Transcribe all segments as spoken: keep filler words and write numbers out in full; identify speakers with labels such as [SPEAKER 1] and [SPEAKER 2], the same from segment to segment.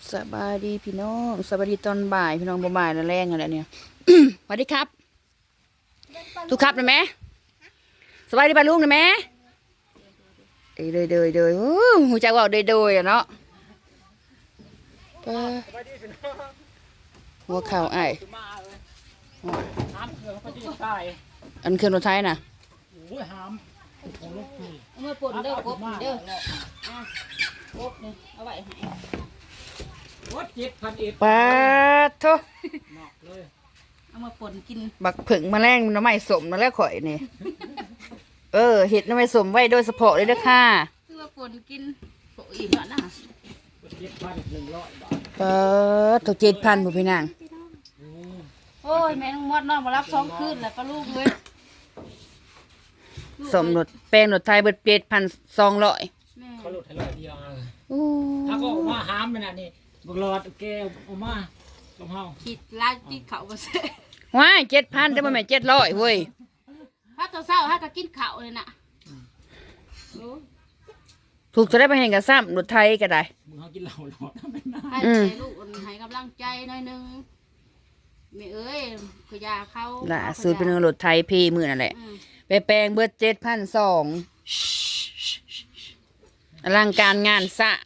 [SPEAKER 1] สบายดีพี่น้องสบายดีตอนบ่ายพี่น้องบ่ายแล้วแรงอะไรเนี่ย สวัสดีครับทุกครับนะแม่สบายดีป่ะลุงนะแม่เดยเดยเดยเดยหูจักว่าเดยเดยอะเนาะหัวเข่าไอ้อันเครื่องรถไทยน่ะ
[SPEAKER 2] เอามาป่นเด้อกบเด้ออ่ะกบนี่เอาไว้ให้
[SPEAKER 3] เจ็ดพันเอ็ด
[SPEAKER 1] ปาโท
[SPEAKER 2] เอามาป่นกิน
[SPEAKER 1] บักผึ่งมาแรงน้ำไม้สมนั่นแหละข่อยนี่เออเห็ดน้ำไม้สมไว้โดยเฉพาะเลยเด้อค่ะ
[SPEAKER 2] คือว่าป่นกินโปอีกแล้วนะ
[SPEAKER 3] เจ็ดพันหนึ่งร้อยบาท
[SPEAKER 1] ปาโทเจ็ดพันผู้พี่นาง
[SPEAKER 2] โอ้ยแม่น้องมดน้องมารับสองคืนแล้วก็ลูกเลย
[SPEAKER 1] สมรถแป้งรถไทยเบิดเจ็ดพันสองร้อย
[SPEAKER 2] แม่
[SPEAKER 3] เขาลดให้ร้อยเดียว
[SPEAKER 1] โอ้
[SPEAKER 3] ถ้าก็ออกมาหามมันน่ะนี่บักหลอดแก้วออกมาลงเฮา
[SPEAKER 2] คิดลากินข้าวมาเสร็จ
[SPEAKER 1] ว้ายเจ็ดพันแต่มันไม่เจ็ดร้อยเว้ย
[SPEAKER 2] ถ้าตัวเศร้าถ้าก็กินข้าวเลยน่ะโอ้
[SPEAKER 1] ถูกจะได้ไปเห็นกับซ้ำรถไทยก็ได้
[SPEAKER 3] มึงเขากินเหล้าหลอดทำเป็นน้
[SPEAKER 2] ให้
[SPEAKER 1] อืม
[SPEAKER 2] ลูกให้กำลังใจหน่อยนึงแม่เอ้ยขยาเขา
[SPEAKER 1] ล่ะสูตรเป็นรถไทยพีมือนั่นแหละ
[SPEAKER 2] อืม
[SPEAKER 1] ไปแปลงเบิดเจ็ดพันสองอลังการงานสร้าง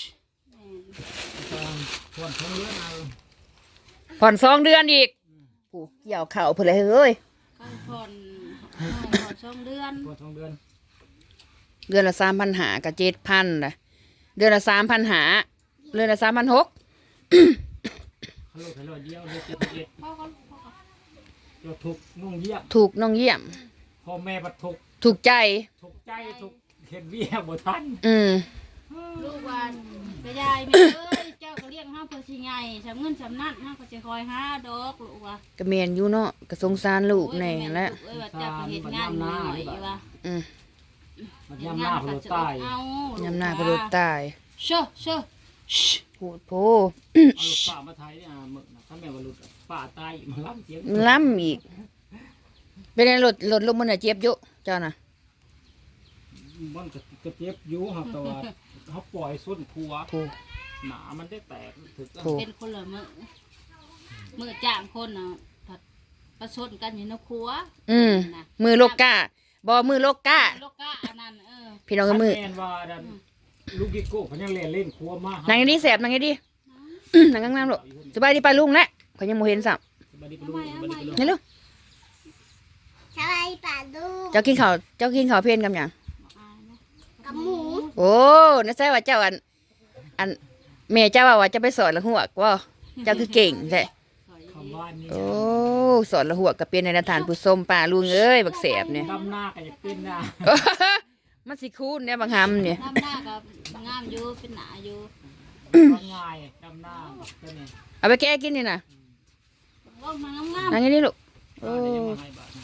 [SPEAKER 3] ำส่วนทงเลือดเอา
[SPEAKER 1] ผ่อนสองเดือนอีกโอ้เกี่ยวเข่าเพื่ออะไรเฮ้ย
[SPEAKER 2] ก็ผ่อนผ่อนสองเดือน
[SPEAKER 3] ส่วนทงเดือน
[SPEAKER 1] เดือนละสามพันหากับเจ็ดพันนะเดือนละสามพันหาเดือนละสามพันหก
[SPEAKER 3] เขาลดให้ร้อยเดียวเลยเจ็ดพันเอ็ด
[SPEAKER 2] พ่อก็พ่อก็
[SPEAKER 3] เจ้าทุกนุ่งเยี่ยม
[SPEAKER 1] ถูกน้องเยี่ยม
[SPEAKER 3] พ่อแม่บัดทุก
[SPEAKER 1] ถูกใจ
[SPEAKER 3] ทุกใจทุกเห็นเบี้ยบ่ทัน
[SPEAKER 1] อืม
[SPEAKER 2] ลูกวันกระยายแม่เอ้ยเจ้าก็เลี้ยงห้าเพื่อสิไงสำเงินสำนักห้าก็จะคอยหาดอกลูกว่ะ
[SPEAKER 1] กระเมียนอยู่เนาะกระสงสารลูกแน่แหละ
[SPEAKER 2] เอ้ยว่าเจ้าก็เห็นงานหน่อยว่ะ
[SPEAKER 1] อืม
[SPEAKER 3] มันย่ำหน้าพลตาย
[SPEAKER 2] เอา
[SPEAKER 1] ยำหน้ากระโดดตาย
[SPEAKER 2] เชื่อเชื่อ
[SPEAKER 1] พูดโพ
[SPEAKER 3] เอาลูกป้ามาไทยเนี่ยมึกนะถ้าแม่ว่าลุดป้าตายมาล้ำเสียง
[SPEAKER 1] มันล้ำอีก เป็นไงรถรถลมมันอะเจ็บอยู่เจ้าน่ะ
[SPEAKER 3] มันก็กระเจ็บอยู่ครับแต่ว่าเขาปล่อยส้นครัว
[SPEAKER 1] ถูก
[SPEAKER 3] หนามันได้แตกถึก
[SPEAKER 1] ถูก
[SPEAKER 2] เป็นคนละมือมือจ้างคนเนาะผัดประชดกันอยู่ในครัว
[SPEAKER 1] อืมมือโลกก้าบอมือโลกก้า
[SPEAKER 2] โลกะอันนั้นเออ
[SPEAKER 1] พี่น้องกับมือ
[SPEAKER 3] แม่นว่าดันลูกกิโก้เขายังเล่นเล่นครัวมาก
[SPEAKER 1] นางอย่างนี้แสบนางอย่างนี้ดิ นางงามๆลูกสบายดีปลาลุงแหละเขายังโมเห็นสับ
[SPEAKER 3] บัดนี้ไปลูกบัดนี้ไปลูก
[SPEAKER 1] นี่ลูก
[SPEAKER 4] สบายป่าดู
[SPEAKER 1] เจ้ากินข้าวเจ้ากินข้าวเพลนกับหยัง
[SPEAKER 4] กับหมู
[SPEAKER 1] โอ้น่าใช่ว่าเจ้าอัน อันแม่เจ้าว่าว่าจะไปสอนละหัวกว่าเจ้าคือเก่งใช่
[SPEAKER 3] คำบ้านนี่
[SPEAKER 1] โอ้สอนละหัวกับเป็นในฐานผู้ส้มป่าลุงเอ้ยบักแสบเนี่ย
[SPEAKER 3] ดำหน้าก็จะเป็นหน้า
[SPEAKER 1] มันสิคูนเนี่ยบางคำเนี่ย
[SPEAKER 2] น้ำหน้ากับงามอยู่เป็นหนาอยู่
[SPEAKER 3] ง่ายดำหน้าก็เนี่ย
[SPEAKER 1] เอาไปแก้กินนี่นะ
[SPEAKER 2] ว่ามันงาม
[SPEAKER 1] นางอย่างนี้ลูกโอ้
[SPEAKER 3] บ้านนี้ยังมาให้บาท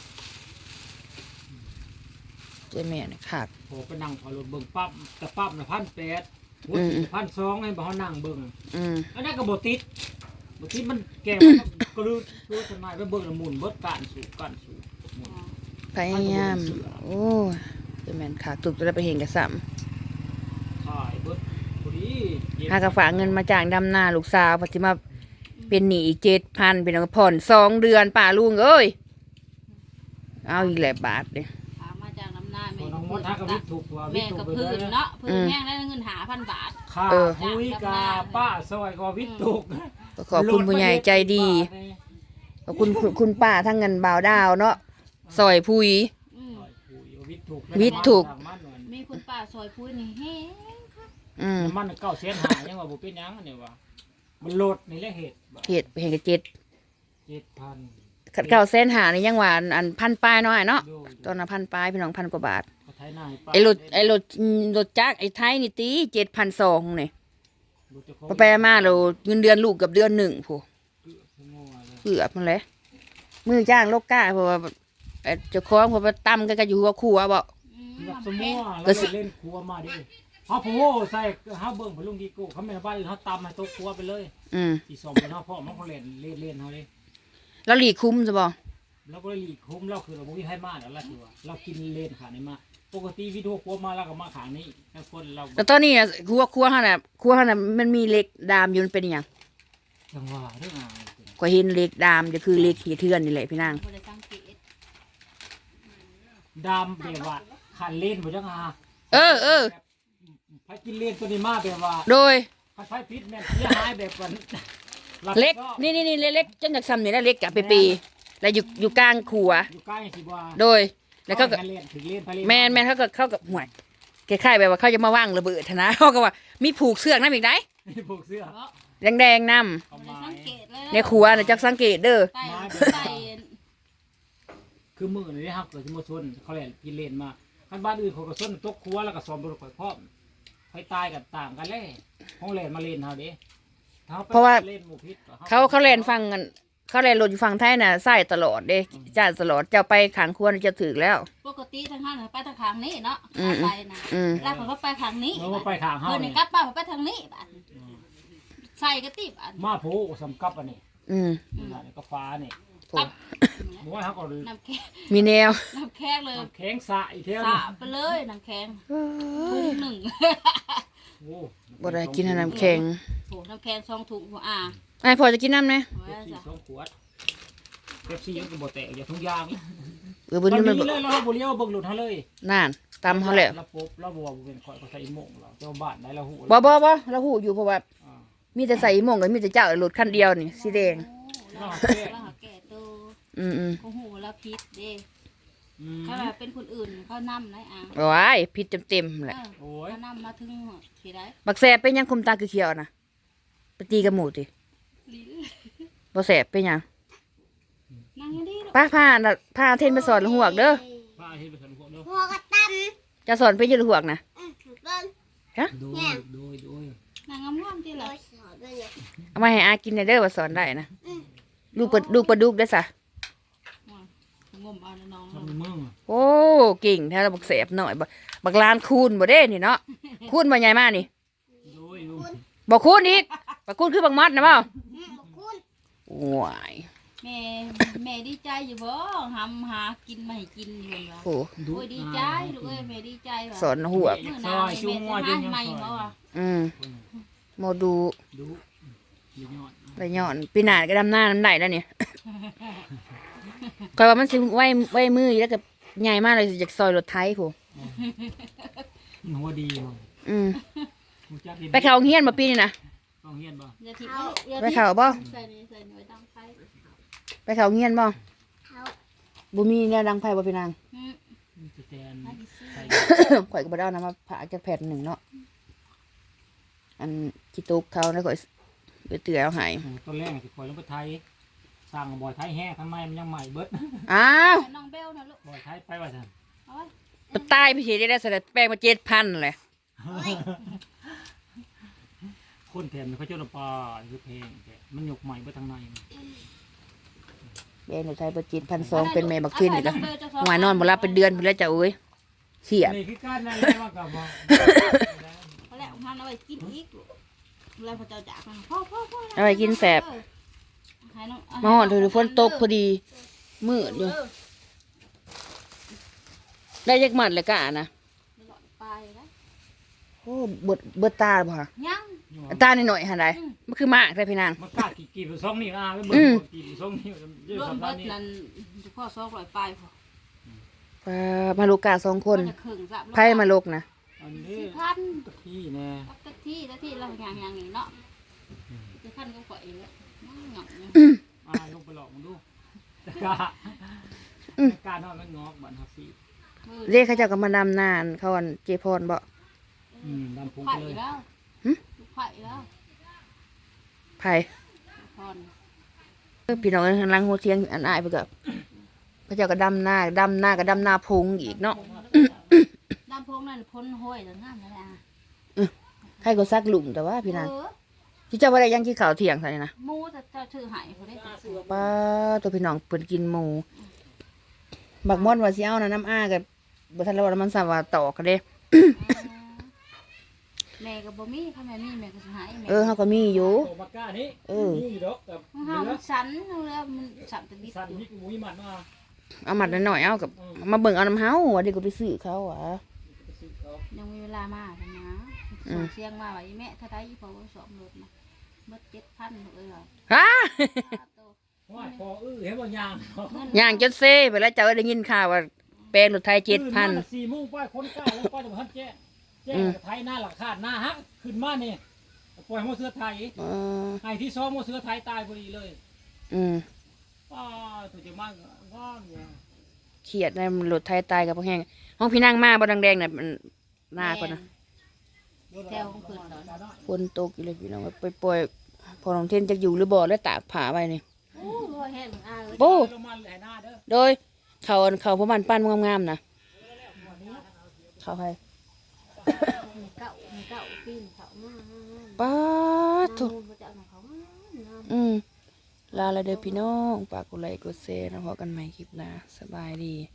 [SPEAKER 1] เจ้าแม่เนี่ยขาด
[SPEAKER 3] โหไปนั่งพอรถเบิ่งปั๊บแต่ปั๊บน่ะพันแปดหัวสี่พันสองให้บ่เขานั่งเบิ่ง
[SPEAKER 1] อืม
[SPEAKER 3] อันนั้นก็บ่ติดบ่ติดมันแก่มันก็รู้รู้สนายไปเบิ่งแล้วหมุนเบิดการสู่การสู่หมุน
[SPEAKER 1] พยายามโอ้เจ้าแม่นขาดตุกจะได้ไปเห็นกับซ้ำ
[SPEAKER 3] ขายเบิดพอดีเย็น
[SPEAKER 1] หากระฝากเงินมาจากดำนาลูกสาวปฏิมาเป็นหนี้อีกเจ็ดพันเป็นเอาผ่อนสองเดือนป่าลุงเอ้ยเอาอีกแหละบาทเลย
[SPEAKER 2] ๆถามมาจากน้ำหน้า
[SPEAKER 3] พ
[SPEAKER 2] แม่
[SPEAKER 3] อน้องมดทักกับวิทย์ถูกกว่าวิ
[SPEAKER 2] แม่
[SPEAKER 3] ทย์ถู
[SPEAKER 2] กั
[SPEAKER 3] ก
[SPEAKER 2] บ
[SPEAKER 3] ไป
[SPEAKER 2] พื้
[SPEAKER 3] เล
[SPEAKER 2] น
[SPEAKER 3] ย
[SPEAKER 2] เนาะพื้นแห้งได้เงินหาพันบาท
[SPEAKER 3] ค่าหุยกาป้าซอยกว่าวิทย์ถูก
[SPEAKER 1] ก็ขอบคุณผู้ใหญ่ใจดีขอบคุณคุณคุณป้าทั้งเงินบ่าวดาวเนาะซอยพุย
[SPEAKER 2] อืม
[SPEAKER 3] วิทย์ถูก
[SPEAKER 1] วิทย์ถูก
[SPEAKER 2] มีคุณป้าซอยพูดนี่เฮ้
[SPEAKER 1] อืม
[SPEAKER 3] มันเก้าแสนหายังว่าบ่เป็นหยังเนี่ยว่ามันโหลดนี่แหละเหตุ
[SPEAKER 1] เหตุเห็นกับเจ็ด
[SPEAKER 3] เจ็ดพัน
[SPEAKER 1] ขัดเก้าเส้นหานี่ยังว่าอันอันพันปลายน้อยเนาะตอนนั้นพันปลายพี่น้องพันกว่าบาท
[SPEAKER 3] ก็ไทยนายป้า
[SPEAKER 1] ไอ้รถไอ้รถอืมรถจักรไอ้ไทยนี่ตีเจ็ดพันสองเนี่ยพอไปมาเราเงินเดือนลูกกับเดือนหนึ่งผู้เกือบมันเลยมือจ้างโลกก้าเพราะว่าเอ่อเจ้าของเพราะว่าตั้มกันก็อยู่หัวครัวบ่
[SPEAKER 3] แบบสมมุติว่าเราไปเล่นครัวมาดิเฮาโผล่ใส่เฮาเบิ่งพลุงดีกูเขาแม่นบ้านเฮาตำให้โต๊ะครัวไปเลย
[SPEAKER 1] อืม
[SPEAKER 3] สิสมกันเฮาพ่อมันเขาเล่นเล่นเล่นเฮาเลย
[SPEAKER 1] แล้วหลีคุ้มจะบ่
[SPEAKER 3] แล้วก็เลยหลีกคุ้มเราคือเราบ่มีให้มาแล้วล่ะคือว่าเรากินเล่นขาในมาปกติวิดีโอครัวมาแล้วก็มาขางนี้ทั้งคนเรา
[SPEAKER 1] แล้วตอนนี้น่ะครัวครัวเฮาน่ะครัวเฮาน่ะมันมีเหล็กดามอยู่มันเป็นหยัง
[SPEAKER 3] จังหวะเรื่องอะไร
[SPEAKER 1] ก็เห็นเหล็กดามจะคือเหล็กขี้เทือนนี่แหละพี่นาง
[SPEAKER 2] บ่ได้สังเกต
[SPEAKER 3] ดำแบบว่าขันเล่นบ่จังหา
[SPEAKER 1] เออเออ
[SPEAKER 3] ไผกินเล่นตัวนี้มาแบบว่า
[SPEAKER 1] โดย
[SPEAKER 3] คันไผพิษแม่นเสียหายแบบว่า
[SPEAKER 1] เล็กนี่นี่นี่เล็กๆจนจากซ้ำนี่แล้วเล็กกะไปปีแล้วอยู่อยู่กลางขัว
[SPEAKER 3] อยู่ใกล้สิว่า
[SPEAKER 1] โดยแล้วเขาก็
[SPEAKER 3] เล่นถึงเล่นไปเล่น
[SPEAKER 1] แมนแมนเขาก็เข้ากับห่วยคล้ายๆแบบว่าเขาจะมาว่างระเบิดนะ เขาก็ว่ามีผูกเสือกน้ำอีกไหน
[SPEAKER 3] นี่พวกเสื้อ
[SPEAKER 2] เพราะ
[SPEAKER 1] แดงๆน้
[SPEAKER 3] เอา
[SPEAKER 2] บ่ได้
[SPEAKER 3] ไม้
[SPEAKER 2] สังเกตเลย
[SPEAKER 1] ำในขัวนะจักสังเกตเด้อ
[SPEAKER 2] ไต่ไต่
[SPEAKER 3] คือมือนี่ครับเกิดที่มาชนเขาเล่นกินเล่นมาคันบ้านอื่นเขาก็ชนตกครัวแล้วก็ซ้อมรถข่อยพร้อมไผตายกันต่างกันเลยห้องเล่นมาเล่นเฮาเด้เล่นหมู่พิษ
[SPEAKER 1] เขาเขาเล่นฟังกันเขาเล่นรถอยู่ฝั่งไทยน่ะใส่ตลอดเด้จ้าตลอดเจ้าไปขังครัวน่ะจะถึกแล้ว
[SPEAKER 2] ปกติทางห้างไปทางข้างนี้เนาะ
[SPEAKER 1] อืม
[SPEAKER 2] ไปนะ
[SPEAKER 1] อืม
[SPEAKER 2] แล้วเขาก็ไปทางนี้
[SPEAKER 3] เมื่อไปขางเฮา
[SPEAKER 2] เพิ่น
[SPEAKER 3] นี่
[SPEAKER 2] นี่กลับมาไปทางนี้บัดใส่กระติบอัน
[SPEAKER 3] มาโผสำกับอันนี้
[SPEAKER 1] อืม
[SPEAKER 3] นี่ก็ฟ้านี่
[SPEAKER 1] โถ่
[SPEAKER 3] บ่ว่าเฮาก็
[SPEAKER 2] น้ำแข็ง
[SPEAKER 1] มีแนว
[SPEAKER 2] น้ำแข็งเลย
[SPEAKER 3] แข็งสะอีเท่า
[SPEAKER 2] สาไปเลยน้ำแข็งถุงหนึ่ง
[SPEAKER 3] โอ้
[SPEAKER 1] บ่ได้กินน้ำแข็ง
[SPEAKER 2] โหน้ำแข็งสองถุงหัวอ่า
[SPEAKER 1] ไอ้พอจะกินน้ำไหม
[SPEAKER 2] ไว้
[SPEAKER 3] เป๊ปซี่
[SPEAKER 2] จ้ะ
[SPEAKER 3] สองขวดเป๊ปซี่ยังก็บ่แตกอย่าทุกยาง
[SPEAKER 1] เออ
[SPEAKER 3] วั
[SPEAKER 1] บุ
[SPEAKER 3] น
[SPEAKER 1] ญนี่
[SPEAKER 3] นี้
[SPEAKER 1] มัน
[SPEAKER 3] เลยเราบ่เลี้ยวเบิ่งหลุดเฮาเลย
[SPEAKER 1] นั่นตำเขาแล้ว
[SPEAKER 3] เราปุ๊บเราบ่ว่าเป็นข่อยก็ใส่อีโมงเราเจ้าบ้านได้เราฮู้
[SPEAKER 1] บ่บ่บ่เราหูอยู่เพราะว่า
[SPEAKER 3] อ่า
[SPEAKER 1] มีแต่ใส่หม่งกับมีแต่เจ้ารถคันเดียวนี่สีแดง
[SPEAKER 2] เราเราหาแก่ตัว
[SPEAKER 1] อืมอืม
[SPEAKER 2] เขาหูแล้วพิษเด้
[SPEAKER 3] อืม
[SPEAKER 2] ถ้าแบบเป็นคนอื่นเขานำได้อ่ะ
[SPEAKER 1] ว้ายพิษเต็มๆแหละ
[SPEAKER 3] โอ้ย
[SPEAKER 2] เขานำมาถึงที่ได้
[SPEAKER 1] บักแสบเป็นหยังคุมตาคือเขียวๆนะไปตีกับหมูติ
[SPEAKER 2] ลิ้น
[SPEAKER 1] บ่แสบเป็นหยัง
[SPEAKER 2] นั่งอยังดีลูก
[SPEAKER 1] ป้าพาน่ะพาเทนไปสอนหวกเด้อ
[SPEAKER 3] ป้าเฮ็ดไปสนุกเด้อ
[SPEAKER 4] หัวกระตั้ม
[SPEAKER 1] จะสอนไปยืนหวกนะ
[SPEAKER 4] อืมเบิ้ง
[SPEAKER 3] โดยโดยโดย
[SPEAKER 2] นั่งงามๆที่
[SPEAKER 4] โด
[SPEAKER 2] ละ
[SPEAKER 4] ยสอนด้วยเนี่ย
[SPEAKER 1] เอามาให้อากินหน่อยเด้อว่าสอนได้นะ
[SPEAKER 4] อืม
[SPEAKER 1] ลูกปลาลูกปลาดุกได้อสะ
[SPEAKER 2] งมเอาน้อง
[SPEAKER 3] ทำมึง
[SPEAKER 1] โอ้เก่งแท้เราบักแสบหน่อยบักบักลานคูณบ่เด้นี่เนาะคูณบ่ใหญ่มากนี่
[SPEAKER 3] โดยโดย
[SPEAKER 1] บ่คูณอีกบักคูณคือบักมัดนะเปล่า
[SPEAKER 4] อืมบอกคุณ
[SPEAKER 1] โอ้ย
[SPEAKER 2] แม่แม่ดีใจอยู่บ่หำหากินมาให้กินอยู่ว่า
[SPEAKER 1] โอ้
[SPEAKER 2] โอ้ยดีใจลูกเอ้ยแม่ดีใจว่ะ
[SPEAKER 1] สอนหวก
[SPEAKER 2] มื้อหน้านี่แม่จะหาใหม่บ่ว่ะ
[SPEAKER 1] อืมโมดู
[SPEAKER 3] ดูดูยอด
[SPEAKER 1] ไรย้อนปีหน้าก็ดำหน้าน้ำไหลแล้วเนี่ยคอยว่ามันสิไว้ไว้มืออยู่แล้วก็ใหญ่มากเลยจากซอยรถไทยผู้
[SPEAKER 3] หัวดีมั้ง
[SPEAKER 1] อืม
[SPEAKER 3] รู้จักดี
[SPEAKER 1] ไปเขาเฮียนมาปีนี่นะ
[SPEAKER 3] ต้องเฮียนบ่
[SPEAKER 2] อย่าทิ้งลูกอย่า
[SPEAKER 1] ไป
[SPEAKER 2] ทิ้ง
[SPEAKER 1] เขาบ่
[SPEAKER 2] ใส่นี่ใส่นี่ไว้ตั้งไฟ
[SPEAKER 1] ไปเขาเฮียนบ่
[SPEAKER 4] เขา
[SPEAKER 1] บ่มีแนวดังไพ่บ่พี่นาง
[SPEAKER 2] อืม
[SPEAKER 3] สแตน
[SPEAKER 2] ให้ดิซื้อ
[SPEAKER 3] ใส่
[SPEAKER 1] ข่อยก็บ่ได้เอานำมาผ่าจากแผ่นหนึ่งเนาะอันจิตุกเขาแล้วก็ไปเตือเอาให้
[SPEAKER 3] ต้นแรกสิปล่อยลงไปไทยสร้างบ่อยไทยแห้ข้างในมันยังใหม่เบิด
[SPEAKER 1] อ้าว
[SPEAKER 2] น้องเบลนะลูก
[SPEAKER 3] บ่อยไทยไปว่าซั่น
[SPEAKER 2] เอาไว้
[SPEAKER 1] ไปตายไปเฮ็ดได้แสดงแป้งมาเจ็ดพันเลย
[SPEAKER 3] คนแถมเขาเจ้าปลาคือเพลงแต่มันยกใหม่เบิดทางใน
[SPEAKER 1] แป้งหนูใช้บ่เจ็ดพันสองเป็นแม่บักเทนอีกแล้วหวายนอนบ่หลับเป็นเดือนพุ่นแล้วจ้ะเอ้ยเขียด
[SPEAKER 3] นี่คือการนั่นเลยว่ากับบ่
[SPEAKER 2] เอาแล้วหันเอาไว้กินอีกลูกแล้วพอเจ้าจากมาพ่อพ่อพ่อ
[SPEAKER 1] เอาไว้กินแสบ
[SPEAKER 2] ให้น้อง
[SPEAKER 1] มาฮอดถือฝนตกพอดีมืดอยู่ ได้จักหมัดเลยกะนะ
[SPEAKER 2] ไปแล้ว
[SPEAKER 1] โอ้เบิดเบิดตาบ่ฮะ
[SPEAKER 2] ยัง
[SPEAKER 1] ตาหน่อยๆหั่นใดมันคือมากได้พี่นาง
[SPEAKER 3] มันกล้ากี่กี่ไปสองนิ้วอ่ะไปเบิ่
[SPEAKER 1] อื
[SPEAKER 3] ง
[SPEAKER 1] ม
[SPEAKER 3] กี่ไปสองนิ้วเยอะ
[SPEAKER 2] รวม
[SPEAKER 3] สำห
[SPEAKER 2] เบิ
[SPEAKER 3] รับ
[SPEAKER 2] ด
[SPEAKER 3] นี่
[SPEAKER 2] นั่นพ่อซอกลอยไปพอ
[SPEAKER 1] ปลามาลูกกาสองคน
[SPEAKER 2] จะครึ่งจับ
[SPEAKER 1] ไพ่มาลูกนะ
[SPEAKER 3] อันนี้
[SPEAKER 2] สี่พัน
[SPEAKER 3] ตะขี้แน่
[SPEAKER 2] ตะที่ตะที่เราอย่างอย่างนี้เนาะสี่พันก็ปล่อยแล้วหงอกเนี่ย
[SPEAKER 3] อ่าลงไปหลอกมันดูตะกาตะกานอนมันงอกบัดฮับซี่
[SPEAKER 1] เรียกเขาเจ้าก็มาดำนานเขาอันเจพรบ่
[SPEAKER 3] อืมดำพุง
[SPEAKER 2] ไผ่
[SPEAKER 3] ไปเลย
[SPEAKER 2] แล้วไผ่แล้ว
[SPEAKER 1] ไผ่
[SPEAKER 2] พร
[SPEAKER 1] เออพี่น้องข้างหลังหัวเทียงอันอายไปกับเขาเจ้าก็ดำหน้าดำหน้าก็ดำหน้าพงอีกเนาะ
[SPEAKER 2] ดำพงนั่นพ้นห้อยแล้วงามแล้วอ่ะ
[SPEAKER 1] ใครก็ซักหลุมแต่ว่าพี่นาง
[SPEAKER 2] เออ
[SPEAKER 1] ที่เจ้าว่าได้ยังที่เขาวเที่ยงซะนี่นะ
[SPEAKER 2] มูจะจะถือหายเขาได้ตัวซื้อ
[SPEAKER 1] ป้าตัวพี่น้องเปิ่นกินหมูบักม่อนว่าสิเอานะน้ำอ้ากับบ่ทันแล้วว่ามันสามว่าตอกกันเด้
[SPEAKER 2] แม่กับบ่มีถ้าแม่มีแม่ก็สิหายแม่
[SPEAKER 1] เออเฮาก็มีอยู่
[SPEAKER 3] โตมากล้านี้
[SPEAKER 1] เออ
[SPEAKER 3] นี่ดอกกับ
[SPEAKER 2] เฮา
[SPEAKER 3] เหลือ
[SPEAKER 2] มันสันแล้วมันสันตะดิ
[SPEAKER 3] สันนี่กูมีมันมา
[SPEAKER 1] เอามัดหน่อยๆเอากับมาเบิ่งเอาน้ำเฮาว่าเดี๋ยวก็ไปซื้อเขาอ่ะ
[SPEAKER 3] ไปซื้อเขา
[SPEAKER 2] ยังมีเวลามาทำนะ
[SPEAKER 1] อื
[SPEAKER 2] ส่
[SPEAKER 1] ม
[SPEAKER 2] งเสียงมาว่าอีแม่ถ้าได้พอสอบรถมาเบิดเจ็ดพันเลยเหรอ
[SPEAKER 1] ฮะ
[SPEAKER 2] โต
[SPEAKER 3] ว่าพออื้อเห็นบ่ยางเนาะ
[SPEAKER 2] เงิน
[SPEAKER 1] ย่างจนเซ่ไปแล้วเจ้าได้ยินข่าวว่าแปลงรถไทยเจ็ดพัน
[SPEAKER 3] ตื่มาสี่โมงป้ายคนกล้าแล้วป้ายจะมาทันแจ้แจ้
[SPEAKER 1] อืม
[SPEAKER 3] ไทยหน้าหลักขาดหน้าฮักขึ้นมานี่ปล่อยหมอเสือไทย
[SPEAKER 1] เออ
[SPEAKER 3] ไอ้ที่ซ้อมหมอเสือไทยตายพอดีเลย
[SPEAKER 1] อืม
[SPEAKER 3] ป้าตัวจะมากงอนเนี่ย
[SPEAKER 1] เขียดในรถไทยตายกับพวกแห้งห้องพี่นั่งมาบ่แดงๆน่ะมันหน้าก่อนนะ
[SPEAKER 2] แถวของเพิ่นตอน
[SPEAKER 1] ฝนตกอยู่เลยพี่น้องไปปล่อยพอน้องเทนจะอยู่หรือบ่แล้วตากผ้าไว้นี่
[SPEAKER 2] โอ้โหแห้งอ่ะเลย
[SPEAKER 1] โอ้
[SPEAKER 3] ลงมาแหล่หน้าเด้อ
[SPEAKER 1] โดยเขาเขาพวกมันปั้นงามๆนะเขาให้
[SPEAKER 2] มีเก่ามีเก่าปีนเขามา
[SPEAKER 1] ป้าด
[SPEAKER 2] ทุ
[SPEAKER 1] ทุ
[SPEAKER 2] กมาจากไหนเขามาน้
[SPEAKER 1] อืมลาละเด้อพี่น้องฝากกดไลค์กดแชร์นะพอกันใหม่คลิปหน้าสบายดี
[SPEAKER 2] ำ